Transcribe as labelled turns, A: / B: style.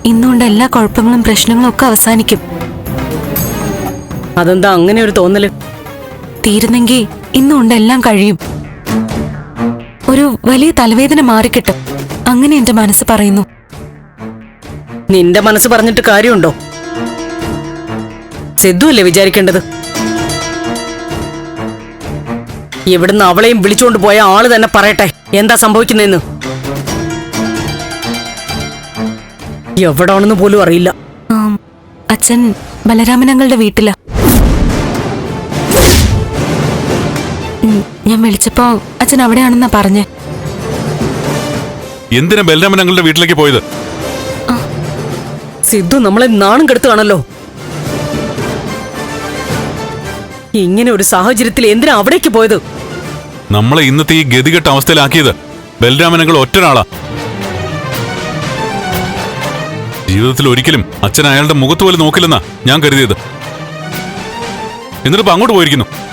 A: ഇന്നുകൊണ്ട് എല്ലാ കുഴപ്പങ്ങളും പ്രശ്നങ്ങളും ഒക്കെ അവസാനിക്കും.
B: അതെന്താ അങ്ങനെ ഒരു തോന്നല്?
A: തീരുന്നെങ്കിൽ ഇന്നുകൊണ്ട് എല്ലാം കഴിയും. ഒരു വലിയ തലവേദന മാറിക്കിട്ടും, അങ്ങനെ എന്റെ മനസ്സ് പറയുന്നു.
B: നിന്റെ മനസ്സ് പറഞ്ഞിട്ട് കാര്യമുണ്ടോ? സിദ്ധു അല്ലേ വിചാരിക്കേണ്ടത്. ഇവിടുന്ന് അവളെയും വിളിച്ചുകൊണ്ട് പോയ ആള് തന്നെ പറയട്ടെ എന്താ സംഭവിക്കുന്നതെന്ന്. എവിടാണെന്ന് പോലും അറിയില്ല.
A: അച്ഛൻ ബലരാമനങ്ങളുടെ വീട്ടിലാ. ഞാൻ വിളിച്ചപ്പോ അച്ഛൻ അവിടെയാണെന്നാ പറഞ്ഞേ.
C: എന്തിനാ ബലരാമനങ്ങളുടെ വീട്ടിലേക്ക് പോയത്?
B: സിദ്ധു നമ്മളെ നാണം കെടുത്തുകയാണല്ലോ. ഇങ്ങനെ ഒരു സാഹചര്യത്തിൽ എന്തിനാ അവിടേക്ക് പോയത്?
C: നമ്മളെ ഇന്നത്തെ ഈ ഗതികെട്ട അവസ്ഥയിലാക്കിയത് ബലരാമനങ്ങൾ ഒറ്റൊരാളാ. ജീവിതത്തിൽ ഒരിക്കലും അച്ഛൻ അയാളുടെ മുഖത്ത് പോലും നോക്കില്ലെന്നാ ഞാൻ കരുതിയത്. എന്നിട്ടിപ്പോ അങ്ങോട്ട് പോയിരിക്കുന്നു.